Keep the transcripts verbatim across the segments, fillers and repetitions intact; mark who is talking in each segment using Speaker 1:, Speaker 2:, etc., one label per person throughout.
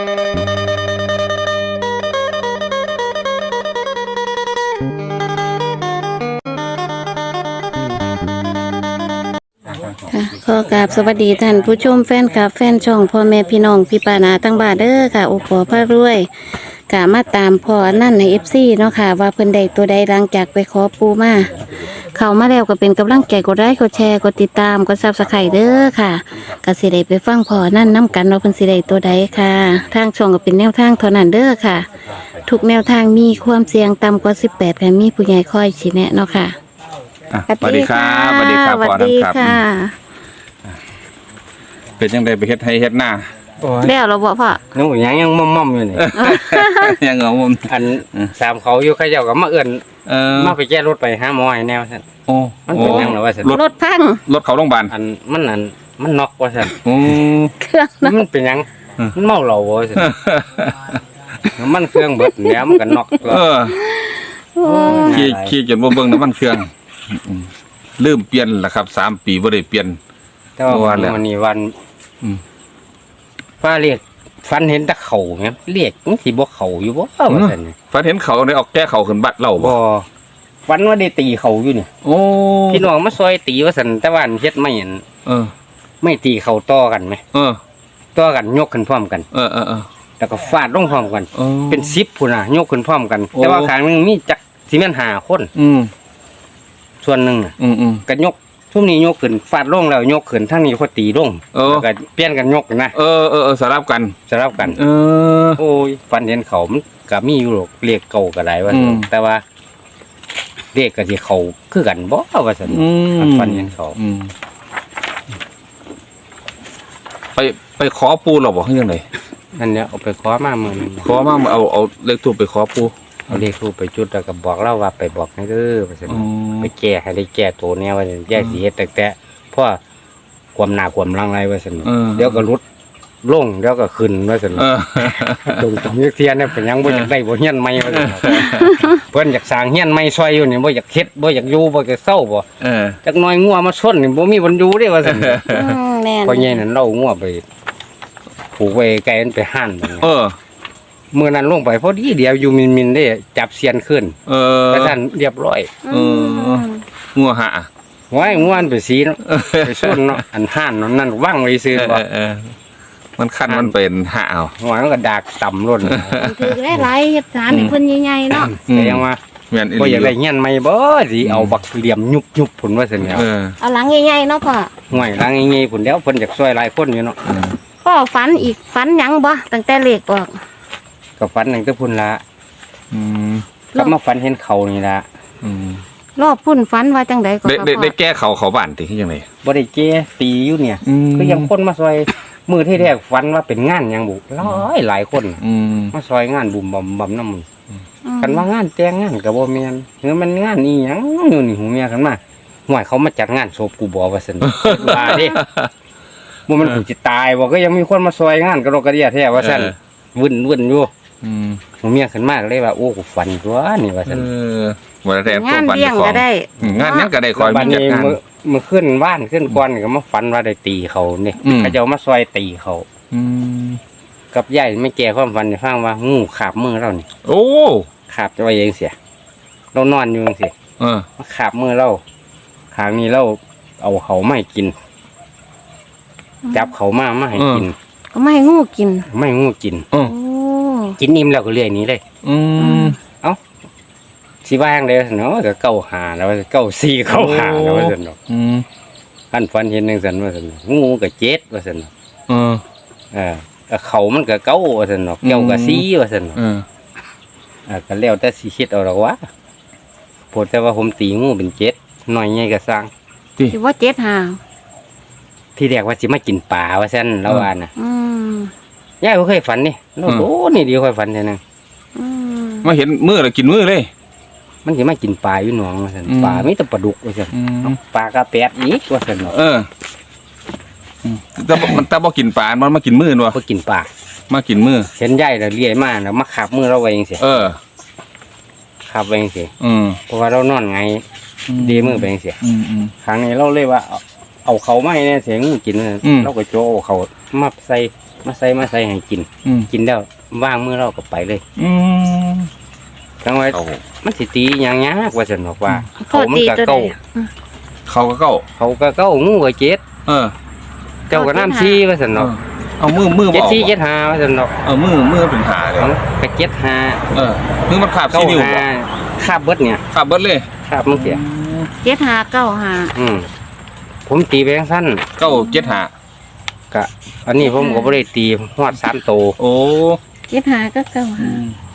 Speaker 1: ค่ะขอกราบสวัสดีท่านผู้ชมแฟนคลับแฟนช่องพ่อแม่พี่น้องพี่ปานาตั้งบ้านเด้อค่ะโอปอพระรวยกะมาตามพ่อนั่นในเอฟซีเนาะค่ะว่าเพิ่นใดตัวใดหลังจากไปขอปูมาเข้ามาแล้วก็เป็นกำลังใจกดไลค์กดแชร์กดติดตามกดซับสไครต์เด้อค่ะก็สิได้ไปฟังพ่อนั่นน้กันว่าเพิ่นสิได้ตัวใดค่ะทางช่องก็เป็นแนวทางเท่านั้นเด้อค่ะทุกแนวทางมีความเสี่ยงต่ำกว่าสิบแปดค่ะมีผู้ใหญ่คอยชี้แนะเนาะค่ะ
Speaker 2: สวัสดีครับสวัสดีครับพ่อท่านครับเป็นยังไงไปเฮ็ดให้เฮ็ดหน้า
Speaker 1: แล้วเราบอกพ่อ
Speaker 3: นู้ยังยังม่อมๆอยู่นี่
Speaker 2: ยังเหงามุม
Speaker 3: อันสามเขาอยู่เขาเจ้าก็มาเอื้อนมาไปแก้รถไปหาหมอให้แนวซั่น
Speaker 2: โอ้
Speaker 3: มันเป็นยังหรอว่าซั่น
Speaker 1: รถพัง
Speaker 2: รถเขาโรงพยาบาล
Speaker 3: อันมันนั่นมันน็อกว่าซั่น
Speaker 2: โอ้
Speaker 1: เครื่อง
Speaker 3: มันเป็นยังมันเมาเหล้าว่าซั่นมันเครื่องเบิดแล้วมันก็น็อก
Speaker 2: เออขี่ขี่จนบ่เบิ่งน้ำมันเครื่องลืมเปลี่ยนล่ะครับสามปีบ่ได้เปลี่ยน
Speaker 3: แต่ว่าวันนี้วันฟ้าเรียกฟันเห็นตะเข่าแม่เรียกมันสิบ่เข่าอยู่บ่ว่าซั่น
Speaker 2: ฟันเห็นเขาได้ออกแก้เขาขึ้นบัดเล่า
Speaker 3: บ่ฟันว่าได้ตีเข่าอยู่นี่
Speaker 2: โอ้
Speaker 3: พี่น้องมาซอยตีว่าซั่นแต่ว่าเฮ็ดไม่เห็น
Speaker 2: เออ
Speaker 3: ไม่ตีเข่าต่อกันมั้ย
Speaker 2: เออ
Speaker 3: ต่อกันยกขึ้นพร้อมกัน
Speaker 2: เออๆๆ
Speaker 3: แล้วก็ฟาดลงพร้อมกันเป็นสิบพุ่นน่ะยกขึ้นพร้อมกันแต่ว่าข้างนึงมีจักสิแม่นห้าคน
Speaker 2: อืม
Speaker 3: ส่วนนึงน่ะ
Speaker 2: อืมๆ
Speaker 3: ก็ยกทุ่มนี้ยกขึ้นฟาดลงแล้วยกขึ้นทั้งนี้เขาตีลงแล้วก็เปลี่ยนกันยกนะ
Speaker 2: เออเออสลับกัน
Speaker 3: สลับกัน
Speaker 2: เออ
Speaker 3: โอ้ยฟันเห็นเขามันก็มีอยู่หรอกเรียกเก่าก็ได้ว่าแต่ว่าเรียกก็สิเขาคือกันบ่ว่าซั่นฟันเห็นเขา
Speaker 2: ไปไปขอปูหรอบ่คือจังได๋
Speaker 3: นั่นเนี่ยเอาไปขอมามื้อนึง
Speaker 2: ขอมาเอาเอาเลขทูปไปขอปู
Speaker 3: เอาเลขทูปไปจุดแล้วก็บอกเล่าว่าไปบอกให้เด้อว่าซั่นไปแก้ให้ได้แก้ตัวแนวว่าแยกสิเฮ็ดแต่แต่เพราะความหน้าความลังไรว่าซั่นเดี๋ยวก็รุดลงเดี๋ยวก็ขึ้นว่าซั่นตรงตรงนี้เทียนเนี่ยเป็นยังบ่อยากได้บ่เฮียนใหม่ว่าซั่นเพิ่นอยากสร้างเฮียนใหม่ซอยอยู่นี่บ่อยากเฮ็ดบ่อยากอยู่บ่อยากเศร้าบ่
Speaker 2: เออ
Speaker 3: จักหน่อยงัวมาชนนี่บ่มีบ่อยู่เด้ว่าซั่นอืมแม่นพอใหญ่นั่นเล่างัวไปผูกไว้ไกลมันไปหั่น
Speaker 2: เออ
Speaker 3: เมื่อนั้นลงไปพอดีเดียวอยู่มินๆได้จับเสียนขึ้น
Speaker 2: เออ
Speaker 3: แล้วท่านเรียบร้อย
Speaker 2: เอองัวหะ
Speaker 3: ห้อยงัวอันไปสีเนาะไปชนเนาะอันหั่นนั่นว่างไว้ซื้อบ่
Speaker 2: มันคันมันเป็นหะเอา
Speaker 3: หัวมันก็ดากต่ำล้น
Speaker 1: คือได้หลายเฮ็ดสารให้เพิ่นใหญ่ๆเนาะ
Speaker 3: แต่ยังว่าบ่อยากได้เฮียนใหม่บ่สิเอาบักเหลี่ยมยุบๆพุ่นว่าซั่นแล้ว
Speaker 1: เอาหลังใหญ่ๆเนาะพ่อ
Speaker 3: ห้อยหลังใหญ่ๆพุ่นแล้วเพิ่นอยากช่วยหลายคนอยู่เนาะ
Speaker 1: พ่อฝันอีกฝันหยังบ่ตั้งแต่เล็กออก
Speaker 3: ก็ฝันนั่นก็พุ่นละอืมก็มาฝันเห็นเขานี่ละ
Speaker 2: อืม
Speaker 1: รอบพุ่นฝันว่าจังได๋ก็
Speaker 2: ได้ได้แก้เขาเขาบ้านติคือจังได๋
Speaker 3: บ่ได้แก้ตีอยู่เนี่ยก็ยังคนมาซอยมื้อที่แรกฝันว่าเป็นงานหยังบุหลายหลายคน
Speaker 2: อืม
Speaker 3: มาซอยงานบุ่มบ่บ่นำคันว่างานแต่งงานก็บ่แม่นหรือมันงานอีหยังอยู่นี่หูเมียกันมาห่วยเขามาจัดงานศพกูบ่ว่าซั่นว่าเด้บ่มันสิตายบ่ก็ยังมีคนมาซอยงานกระโดดกระเดี่ยแท้ว่าซั่นวุ่นๆอยู่
Speaker 2: อืม
Speaker 3: ผมเมียขึ้นมากเลยว่าโอ้กูฝันตัวนี่ว่าซั่น
Speaker 2: เออบ่ได้
Speaker 1: งานเลี้ยงก็ได้
Speaker 2: งานนั้นก็ได้คอย
Speaker 3: มีจัดงานมื้อขึ้นบ้านขึ้นก่อนก็มาฝันว่าได้ตีเขานี่เขาเจ้ามาซอยตีเขา
Speaker 2: อืม
Speaker 3: กับยายไม่แก่ความฝันให้ฟังว่างูขาบมือเรานี่
Speaker 2: โอ้
Speaker 3: ขาบจะว่าจังเสียเรานอนอยู่จังซี่
Speaker 2: เออ
Speaker 3: มาขาบมือเราข้างนี้เราเอาเขามาให้กินจับเขามามาให้กิน
Speaker 1: ก็ไม่ให้งูกิน
Speaker 3: ไม่งูกิน
Speaker 1: โอ้
Speaker 3: กินนิ่มแล้วก็เลื่อยนี้เลย
Speaker 2: อืม
Speaker 3: เอ้าสิว่างเลยเนาะก็เก้าหาแล้วเก้าสี่เก้าหาแล้วว่าซั่นเนาะ
Speaker 2: อืม
Speaker 3: คันฟันเห็นจังซั่นว่าซั่นงูก็เจ็ดว่าซั่นเนาะ
Speaker 2: เออ
Speaker 3: เออเขามันก็เก้าว่าซั่นเนาะเก้าก็สี่ว่าซั่นเนาะ
Speaker 2: เออ
Speaker 3: อ่าก็แล้วแต่สิคิดเอาดอกว่าโพดแต่ว่าผมตีงูเป็นเจ็ดน้อยใหญ่ก็สร้าง
Speaker 1: สิว่าเจ็ดหา
Speaker 3: ที่แรกว่าสิมากินปลาว่าซั่นแล้วว่าน่ะ
Speaker 1: อืม
Speaker 3: ยายบ่เคยฝันนี่โอ้โหนี่ดีค่อยฝันแท้นึง
Speaker 1: อืม
Speaker 2: มาเห็นมื้อแล้วกินมื้อเลย
Speaker 3: มันสิมากินปลาอยู่หนองว่าซั่นปลามีแต่ปลาดุกว่าซั่นปลากระแปดอีกว่าซั่นเนาะ
Speaker 2: เออแต่มันแต่บ่กินปลามันมากินมื้อเนาะ
Speaker 3: บ่กินปลา
Speaker 2: มากินมื้อ
Speaker 3: เห็นยายแล้วเลี้ยมาแล้วมาคาบมื้อเราไว้จังซี่
Speaker 2: เออ
Speaker 3: คาบไว้จังซี่
Speaker 2: อืม
Speaker 3: เพราะว่าเรานอนไงดีมื้อไปจังซี่
Speaker 2: อืม
Speaker 3: ๆครั้งนี้เราเลยว่าเอาเขามาให้แน่เสียงกินเราก็โจเขามาใส่มาใส่มาใส่ให้กิน
Speaker 2: อืม
Speaker 3: กินแล้วว่างมือเราก็ไปเลย
Speaker 2: อืม
Speaker 3: จังไว้
Speaker 2: เขา
Speaker 3: มันสิตีอย่างยากว่าซั่นบอกว่า
Speaker 1: พ่อ
Speaker 3: เขามัน
Speaker 1: ตี
Speaker 3: ก็
Speaker 1: ตัวใด
Speaker 3: เก้า
Speaker 2: เขาก็เก้า
Speaker 3: เขาก็เก้างูก็เจ็ด
Speaker 2: เออ
Speaker 3: เจ้าก็น้ำซีว่าซั่น
Speaker 2: เอ
Speaker 3: เนาะ
Speaker 2: อเอามือมือบ
Speaker 3: เจ็ด
Speaker 2: อก
Speaker 3: สี่เจ็ดห้าว่าซั่นเนาะ
Speaker 2: เออมือมือเป็นหาเลย
Speaker 3: เอาก็เจ็ดห้า
Speaker 2: เออมือมันขาบ
Speaker 3: เก้า
Speaker 2: สี่นิ้ว
Speaker 3: ห้า
Speaker 2: บ่
Speaker 3: คาบเบิดเนี่ย
Speaker 2: ขาบเบิดเลย
Speaker 3: คาบมันเสีย
Speaker 1: เจ็ดหาเก้าหา
Speaker 3: อืมผมตีไปจังซั่น
Speaker 2: เก้าเจ็ดหา
Speaker 3: ก็อันนี้ผมก็บ่ได้ตีฮอดสามโต
Speaker 2: โอ้
Speaker 1: เจ็ดหาก็เก้าหา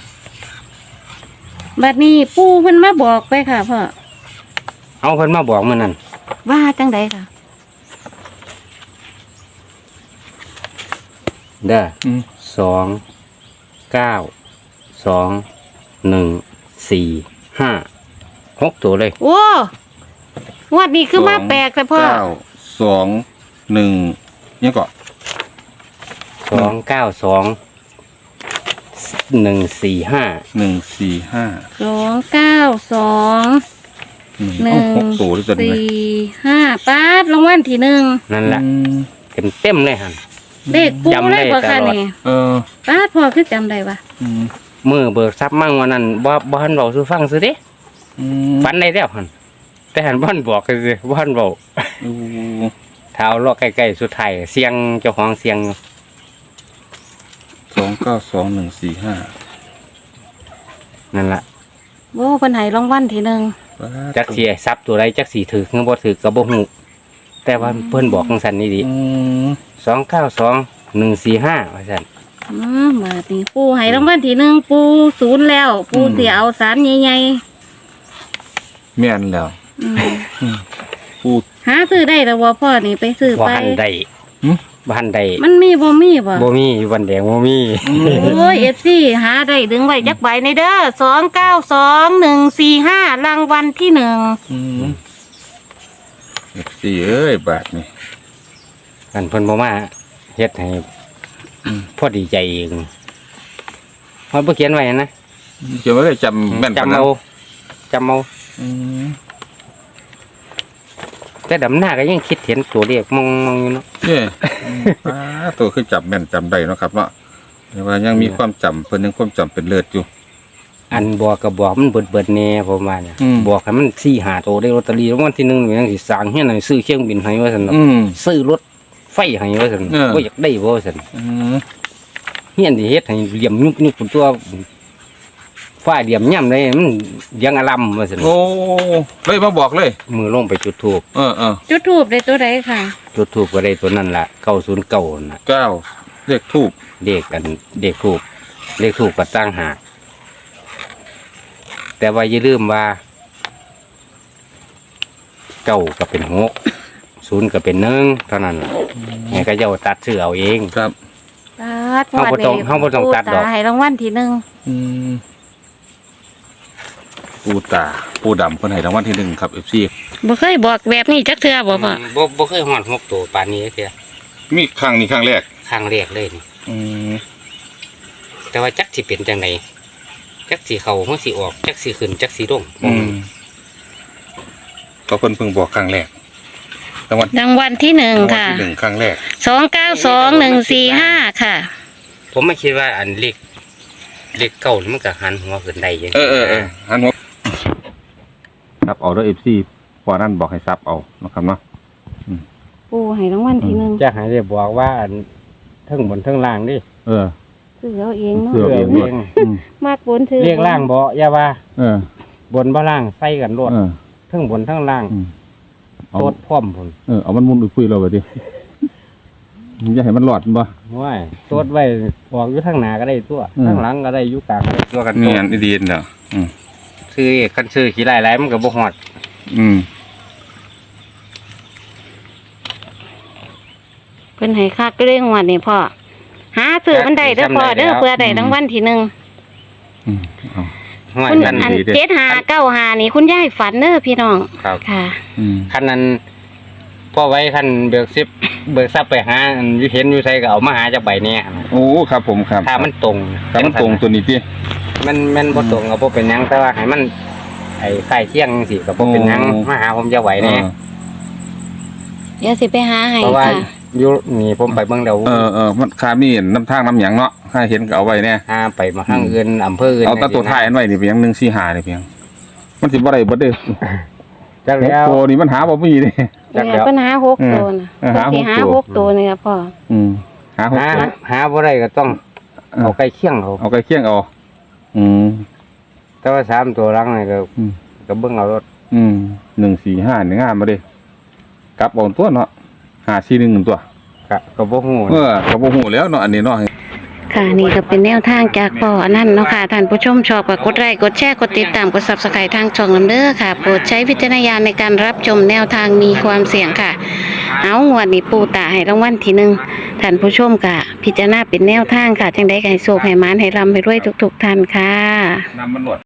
Speaker 1: บัดนี้ปู่เพิ่นมาบอกไปค่ะพ่อ
Speaker 3: เอาเพิ่นมาบอกมื้อนั้น
Speaker 1: ว่าจังใดค่ะ
Speaker 3: เด้อ
Speaker 2: อืม
Speaker 3: สองเก้าสองหนึ่งสี่ห้าหกตัวเลย
Speaker 1: โอ้งวดนี้คือมาแปลกแต่พ่อ
Speaker 2: เก้าสองหนึ่งเนี่ยก็
Speaker 3: สองเก้าสองหนึ่งสี่ห้า
Speaker 2: หนึ่งสี่ห้า
Speaker 1: สองเก้าสอง
Speaker 2: หนึ่ง
Speaker 1: หนึ่
Speaker 2: เอา
Speaker 1: ง
Speaker 2: หกตัวด้วยกันไหม
Speaker 1: สี่ห้าปาดรางวัลที่หนึ่ง
Speaker 3: นั่นแหละ
Speaker 2: อืม
Speaker 3: เต็มเต็มๆเลยฮะ
Speaker 1: เลขปู
Speaker 3: จำได้
Speaker 1: เลยบ่ค่ะ
Speaker 3: ตลอด
Speaker 1: นี่
Speaker 2: เออ
Speaker 1: ปาดพ่อคือจำได้ปะ
Speaker 2: อืม
Speaker 3: มือเบิกทรัพย์มั่งวันนั้นบ่บ่หันเบาซื้อฟังซื้อเดิ
Speaker 2: อืม
Speaker 3: ฝันได้แล้วหันแต่หันบ่หันบอกคือบ่หันเบา
Speaker 2: โอ้
Speaker 3: เท้าเลาะใกล้ๆสุดท้ายเสียงเจ้าของเสียงอยู่
Speaker 2: สองเก้าสองหนึ่งสี่ห้า
Speaker 3: นั่นล่ะ
Speaker 1: โอ้เพิ่นให้รางวัลที่หนึ่ง
Speaker 3: จักสิให้ทรัพย์ตัวใดจักสิถือคือบ่ถือก็บ่ฮู้แต่ว่าเพิ่นบอกจังซั่นนี่ดิ
Speaker 2: อืม
Speaker 3: สองเก้าสองหนึ่งสี่ห้าว่าซั่น
Speaker 1: อืมบาดนี้ปูให้รางวัลที่หนึ่งปูศูนย์แล้ว ปูเสียเอาสารใหญ่
Speaker 2: แม่นแล้ว
Speaker 1: ๆอืม
Speaker 2: พูด
Speaker 1: หาซื้อได้แต่ว่าพ่อนี่ไปซื้อ
Speaker 3: บ่
Speaker 1: ไป
Speaker 3: หันได้
Speaker 2: หึ
Speaker 3: บ่หันได้
Speaker 1: มันมีบ่มีบ่
Speaker 3: บ่มีอยู่บันแดงบ่มี
Speaker 1: โอ้ยเอฟซีหาได้ดึงไว้จักใบในเด้อสองเก้าสองหนึ่งสี่ห้ารางวัลที่หนึ่ง
Speaker 2: อืมเอฟซีเอ้ยบาทนี่
Speaker 3: อันเพิ่นบ่มาเฮ็ดให้พอดีใจเองเฮาบ่เขียนไว้นะ
Speaker 2: เขียนไว้เลยจำแม่นปาน
Speaker 3: จำ
Speaker 2: นั้น
Speaker 3: เอาจำเอา
Speaker 2: อืม
Speaker 3: แต่ดำหน้าก็ยังคิดเห็นตัวเลขมองๆอยู่เนาะ
Speaker 2: เนี่ยป้าตัวคือจำแม่นจำได้เนาะครับเนาะแต่ว่ายังมีความจำเพิ่นยังความจำเป็นเลิศอยู่
Speaker 3: อันบอกก็บอกมันเบิดๆแน่ผมว่าเนี่ย
Speaker 2: อืม
Speaker 3: บอกให้มันสี่ห้าตัวได้ลอตเตอรี่รางวัลที่หนึ่งนี่ยังสิสร้างเฮียนให้ซื้อเครื่องบินให้ว่าซั่นเนาะ
Speaker 2: อืม
Speaker 3: ซื้อรถไฟให้ว่าซั่น
Speaker 2: เออ
Speaker 3: บ่อยากได้บ่ว่าซั่น
Speaker 2: อืม
Speaker 3: เฮียนสิเฮ็ดให้เหลี่ยมยุบยุบตัวฟ้าเหลี่ยมย่ำเลยมันยังอลัมว่าซั่น
Speaker 2: โอ้เลยมาบอกเลย
Speaker 3: มือลงไปจุดธูป
Speaker 2: เออเออ
Speaker 1: จุดทูบได้ตัวใดค่ะ
Speaker 3: จุดธูปก็ได้ตัวนั้นล่ะเก้าศูนย์เก้าน่ะ
Speaker 2: เก้าเลขทูบ
Speaker 3: เลขกันเลขธูปเลขธูปก็ตั้งหากแต่ว่าอย่าลืมว่าเก้าก็เป็นหกศูนย์ก็เป็นหนึ่งเท่านั้นล่ะไงก็จะเอาตัดชื่อเอาเอง
Speaker 2: ครับ
Speaker 1: ปาด
Speaker 3: เฮาบ่ต้องเฮาบ่ต้องตัดดอก
Speaker 1: ปูตาให้รางวัลที่หนึ่ง
Speaker 2: อืมปูตาปูดำเพิ่นให้รางวัลที่หนึ่งครับเอฟซี
Speaker 1: บ่เคยบอกแบบนี้จักเทื่อบ่พ่อ
Speaker 3: บ่บ่เคยหอดหกตัวปานนี้เทีย
Speaker 2: มีครั้งนี้ครั้งแรก
Speaker 3: ครั้งแรกเลยนี่
Speaker 2: อืม
Speaker 3: แต่ว่าจักสิเป็นจังไดจักสิเข้าเมื่อสิออกจักสิขึ้นจักสิลง
Speaker 2: อืมก็เพิ่นเพิ่งบอกครั้งแรกรางวัล
Speaker 1: รางวัลที่หนึ่ง
Speaker 2: รางวัล
Speaker 1: ค่ะ
Speaker 2: ที่หนึ่งครั้งแรก
Speaker 1: สองเก้าสองหนึ่งสี่ห้าค่ะ
Speaker 3: ผมไม่คิดว่าอันเลขเลขเก้านี่มันก็หันหัวขึ้นได้ยัง
Speaker 2: เออเออเออหันหัวซับเอาด้วยเอฟซีพอนั่นบอกให้ซับเอานะครับเนาะ
Speaker 1: ปูให้รางวัลที่หนึ่ง
Speaker 3: จะให้ได้บอกว่าอันทั้งบนทั้งล่างดิ
Speaker 2: เออ
Speaker 1: ซื้อเอาเองเนาะ
Speaker 2: เสื้อ เองด้วย อืม
Speaker 1: มากบนถือ
Speaker 3: เรียกล่างบ่อย่าว่า
Speaker 2: เออบ
Speaker 3: นบ่ล่างใส่กันโลด
Speaker 2: เออ
Speaker 3: ทั้งบนทั้งล่าง
Speaker 2: อืมเอา
Speaker 3: โตดพร้อมพุ่น
Speaker 2: เออเอามันมุนไปคุยเราไปดิอย่าให้มันหลอดบ่
Speaker 3: ว้ายโตดไว้ออกอยู่ทางหน้าก็ได้ตัว
Speaker 2: อืม
Speaker 3: ทางหลังก็ได้อยู่กลางก็ได้ตัวกัน
Speaker 2: นี่อันดีนเนาะอืม
Speaker 3: ซื้อคันซื้อขี้หลายๆมันก็บ่ฮอด
Speaker 2: อืม
Speaker 1: เพิ่นให้คักเรื่องวันนี้พ่อหาซื้อมันได้เด้อพ่อเด้อเพื่อได้รางวัลที่หนึ่ง
Speaker 2: อืมเอา
Speaker 3: ห้อย
Speaker 1: คุณ
Speaker 3: กัน
Speaker 1: อัน
Speaker 2: ดีเด้อ
Speaker 1: เจ็ดหาเก้าหานี่คุณยายฝันเด้อพี่น้อง
Speaker 3: ครับ
Speaker 1: ค่ะ
Speaker 2: อืม
Speaker 3: คันนั้นพ่อไว้คันเบิกซิบเบิกทรัพย์ไปหาอันอยู่เห็นอยู่ไสก็เอามาหาจากใบเนี้ย
Speaker 2: โอ้ครับผมครับ
Speaker 3: ถ้ามันตรง
Speaker 2: ถ้ามันตรงตัวนี้ที่
Speaker 3: มันมันบ่ตรงก็บ่เป็นหยังแต่ว่าให้มันไอ้ใกล้เที่ยงจังซี่ก็บ่เป็นหยัง
Speaker 2: โอ้
Speaker 3: มาหาผมจะไหวแน่
Speaker 1: เดี๋ยวสิไปหาให้
Speaker 3: เพราะว่า
Speaker 1: ค่ะ
Speaker 3: อยู่นี่ผมไปเบิ่งแล้ว
Speaker 2: เออเออมันค่ามีน้ำทางน้ำหยังเนาะค่าเห็นก็เอาไว้แน่
Speaker 3: หาไปมาห้างอื่นอำเภออื่น
Speaker 2: เอาแตตัวท้ายอันไว้นี่เพียงหนึ่งสี่ห้านี่เพียงมันสิบ่ได้เบิดเด้อ
Speaker 3: จักแล้ว
Speaker 2: โตนี่มันหาบ่มีเด้
Speaker 3: จัก
Speaker 1: เนี่
Speaker 3: แล้
Speaker 1: ยว ปัญหาหกตัวนะ
Speaker 2: เออหาหก
Speaker 1: ที่หา
Speaker 2: ตัว
Speaker 1: หกตัวนี่ครับพ่อ
Speaker 2: อืมหาหก
Speaker 3: หา
Speaker 2: ตัว
Speaker 3: หาบ่ได้ก็ต้องเอาใกล้เคียงเอา
Speaker 2: เอาใกล้เคียงเอาอืม
Speaker 3: แต่ว่าสามตัวหลังนี่ก็
Speaker 2: อืม
Speaker 3: ก็เบิ่งเอารถ
Speaker 2: อืมหนึ่งสี่ห้าหนึ่งงามมาเด้กลับเอาตัวเนาะหาสี่หนึ่งตัว
Speaker 3: ก็ก็บ่ฮู้
Speaker 2: เออก็บ่ฮู้แล้วเนาะอันนี้เนาะ
Speaker 1: ค่ะนี่ก็เป็นแนวทางจากพ่อนั่นเนาะค่ะท่านผู้ชมชอบก็กดไลค์กดแชร์กดติดตามกด Subscribe ทางช่องนำเด้อค่ะโปรดใช้วิจารณญาณในการรับชมแนวทางมีความเสี่ยงค่ะ เอางวดนี้ปูตาให้รางวัลที่หนึ่งท่านผู้ชมก็พิจารณาเป็นแนวทางค่ะจังได้ให้โชคให้หมานให้ร่ำให้รวยทุกๆท่านค่ะ
Speaker 2: นำมันหนวด